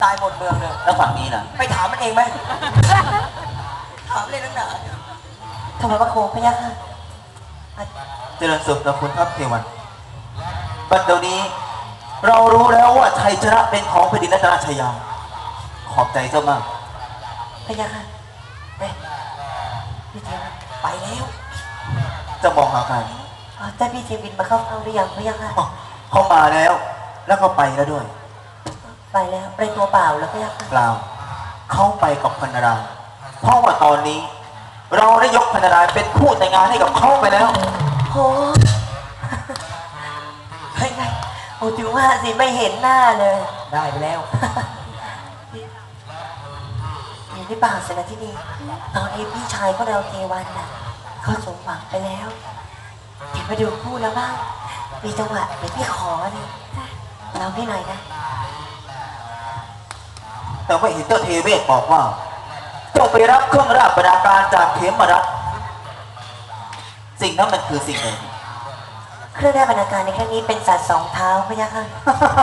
ตายหมดเมืองเลยแล้วฝั่งนี้ล่ะไปถามมันเองไหมถามเลยนักหนาทำไมพระโคพระยะค่ะเจริญสุขนะคุณทัพเทวันบัดเดี๋ยวนี้เรารู้แล้วว่าชัยชนะเป็นของแผ่นดินรัตนชยาขอบใจเจ้ามากพระยะค่ะไปพี่เทวินไปแล้วจะมองหาใครแต่พี่เทวินมาเข้าเฝ้าหรือยังพระยะค่ะเขามาแล้ว แล้วก็ไปแล้วด้วยไปแล้วไปตัวเปล่าแล้วพระยะค่ะเปล่าเขาไปกับพันราเพราะว่าตอนนี้ เราได้ยกพันราเป็นคู่แต่งงานให้กับเขาไปแล้วโอ้เฮ้ยไงโอ้ถือว่าสิไม่เห็นหน้าเลยได้ไปแล้วเห็นหรือเปล่าเสนาที่ดีตอนนี้พี่ชายของเราเทวันน่ะเขาสมหวังไปแล้วเห็นมาดูคู่แล้วบ้างมีจังหวะเดี๋ยวพี่ขอเลยเราพี่หน่อยนะแต่ว่าเห็นเจ้าเทเวศบอกว่าเจ้าไปรับเครื่องราชบรรณาการจากเขมรัฐสิ่งนั้นมันคือสิ่งใดเครื่องได้บรรณาการในครั้งนี้เป็นสัตว์สองเท้าพระยะค่ะ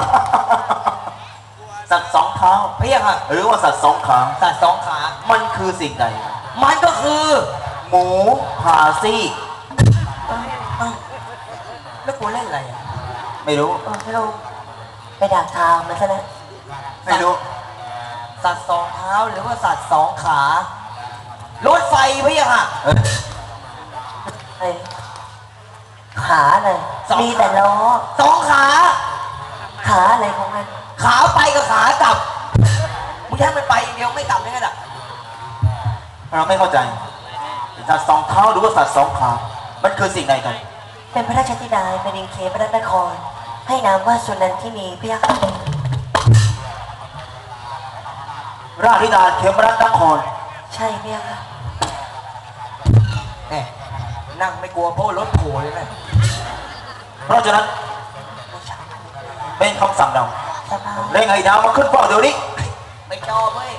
สัตว์สองเท้าเพียงค่ะหรือว่าสัตว์สองขาสัตว์สองขามันคือสิ่งใดมันก็คือหมูผ่าซี่เอ้าแล้วกูเล่นอะไรอ่ะไม่รู้พี่ลุงไปด่าทางมันซะแล้วไม่รู้สัตว์สองเท้าหรือว่าสัตว์สองขารถไฟเพียงค่ะไอ้ขาเลยสองขามีมีแต่ล้อสองขาขาอะไรของมันขาไปกับขากลับมึงแค่มันไปอย่างเดียวไม่กลับได้ไงล่ะเราไม่เข้าใจสัตว์สองเท้าหรือว่าสัตว์สองขา มันคือสิ่งใดกันเป็นพระราชธิดาเป็นดินเคพระนคร ให้นามว่าสุนันทินีพระยะค่ะราชธิดาเขมรัฐนครใช่พระยะค่ะแหมนั่งไม่กลัวเพราะรถโผล่เลยนะเพราะฉะนั้นเป็นคำสั่งเราสบายเร่งไอ้ดาวมาขึ้นเฝ้าเดี๋ยวนี้ไม่ชอบเว้ย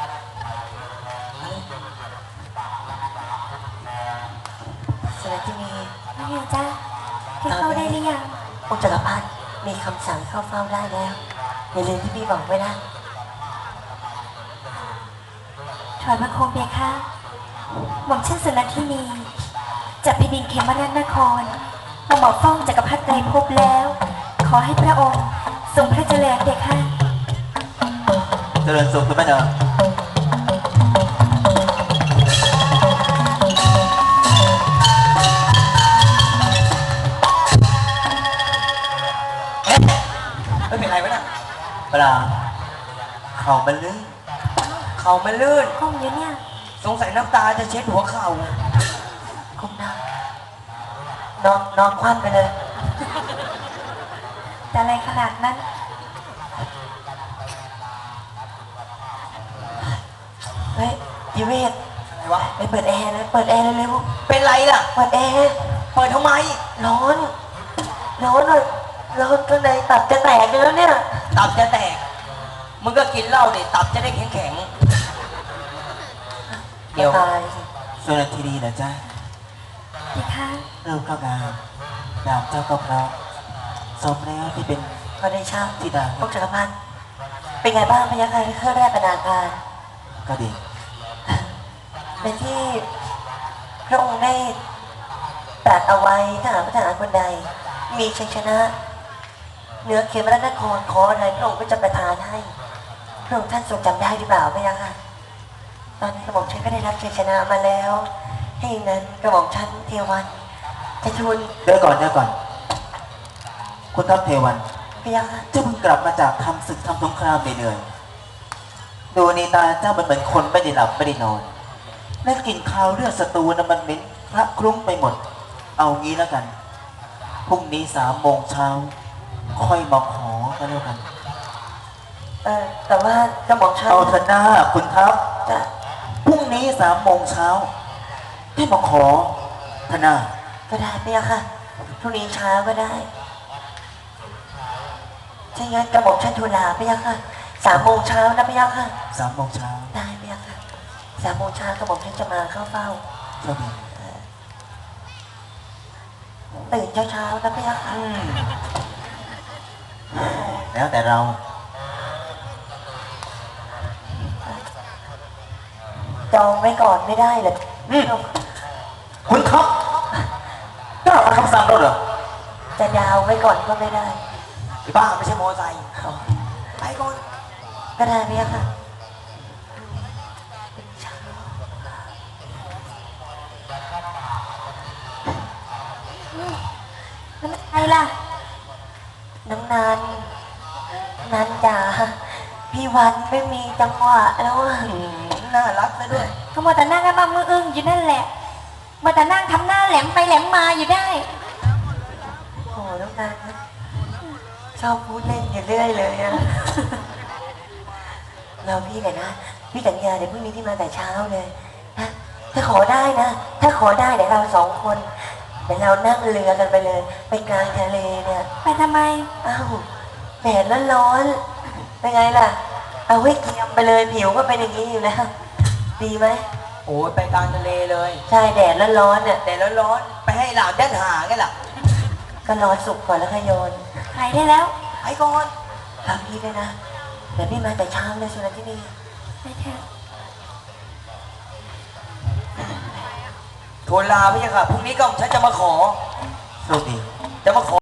สุนันทินีว่าไงจ๊ะแกเข้าได้หรือยังองค์จักรพรรดิมีคำสั่งเข้าเฝ้าได้แล้วอย่าลืมที่พี่บอกไว้นะถอยมาโคมเบียค่ะหม่อมชื่อสุนันทินีจากแผ่นดินเขมรนครมาหมอฟ้องจักรพรรดิไตรภพแล้ว ขอให้พระองค์ทรงพระเจริญเบียค่ะเจริญสุขคุณแม่เนอไม่เป็นไรวะน่ะเปล่าเขามันลื่นเข่ามันลื่นก้มอยู่เนี่ยสงสัยน้ำตาจะเช็ดหัวเข่าก้มหน้านอนคว่ำไปเลยแต่อะไรขนาดนั้นเฮ้ยดิเวศอะไรวะไปเปิดแอร์เลยเปิดแอร์เร็วเป็นไรล่ะๆเปิดแอร์เปิดทำไมร้อนร้อนเลยร้อนข้างในตับจะแตกอยู่แล้วเนี่ยตับจะแตก มึงก็กินเหล้าดิตับจะได้แข็งแข็งๆเดี๋ยวตายสิส่วนนาทีดีนะจ๊ะเบียค่ะรูปก็งามนามเจ้าก็เพราะสมแล้วที่เป็นพอได้ช่างธิดาพวกจักรพันธ์เป็นไงบ้างพยัคฆ์เครื่องแรกบรรณาการก็ดีเป็นที่พระองค์ได้ตรัสเอาไว้ถ้าหากพระทหารคนใด มีชัยชนะเหนือเขมรนครขออะไรพระองค์ก็จะประทานให้พระองค์ท่านทรงจำได้หรือเปล่าพยัคฆ์ตอนนี้กระหม่อมฉันก็ได้รับชัยชนะมาแล้วให้อย่างนั้นกระหม่อมฉันเทวันจะทูลเดี๋ยวก่อนคุณทัพเทวันพยัคฆ์เจ้าเพิ่งกลับมาจากทำศึกทำสงครามเหนื่อยๆดูนี่ตาเจ้ามันเหมือนคนไม่ได้หลับไม่ได้นอนและกลิ่นคาวเลือดศัตรูนะมันเหม็นพระคลุ้งไปหมด เอางี้แล้วกันพรุ่งนี้3 โมงเช้าค่อยมาขอกันแล้วกันแต่ว่ากระหม่อมฉันเอาเถอะหน้าคุณทัพจะพรุ่งนี้3 โมงเช้าให้มาขอธนาก็ได้พยัคฆ์พรุ่งนี้เช้าก็ได้ถ้าอย่างนั้นกระหม่อมฉันทูลลาพยัคฆ์3 โมงเช้านะพยัคฆ์ 3 โมงเช้าได้พยัคฆ์3 โมงเช้ากระหม่อมฉันจะมาเข้าเฝ้าโชคดีตื่นเช้าๆนะพยัคฆ์แล้วแต่เราองไว้ก่อนไม่ได้เหรอคุณครับกล้ามาคำสั่งเราเหรอจะดาวไว้ก่อนก็ไม่ได้ไอ้บ้าไม่ใช่มอไซค์ไปก่อนก็ได้ไหมค่ะแล้วมันใครล่ะน้องนันจ๋าพี่วันไม่มีจังหวะแล้วอะน่ารักซะด้วยก็มัวแต่นั่งกันมามืออึ้งอยู่นั่นแหละมัวแต่นั่งทำหน้าแหลมไปแหลมมาอยู่ได้โอ้น้องนันชอบพูดเล่นอยู่เรื่อยเลยอะเราพี่เลยนะพี่สัญญาเดี๋ยวพรุ่งนี้ที่มาแต่เช้าเลยนะถ้าขอได้นะ ถ้าขอได้เดี๋ยวเราสองคนเดี๋ยวเรานั่งเรือกันไปเลย ไปกลางทะเลเนี่ยไปทำไมอ้าวแดดร้อนๆเป็นไงล่ะ เอาไว้เกรียมไปเลยผิวก็เป็นอย่างนี้อยู่แล้ว ดีไหมโอ้ยไปกลางทะเลเลยใช่แดดร้อนๆเนี่ยแต่ร้อนๆไปให้หลามด้านหาไงล่ะก็รอสุกก่อนแล้วค่อยโยนไปได้แล้วไปก่อนทำพี่ด้วยนะเดี๋ยวพี่มาแต่เช้าเลยสุนันที่นี่ไปเถอะทูลลาพี่ค่ะพรุ่งนี้ก็ฉันจะมาขอโชคดีจะมาขอ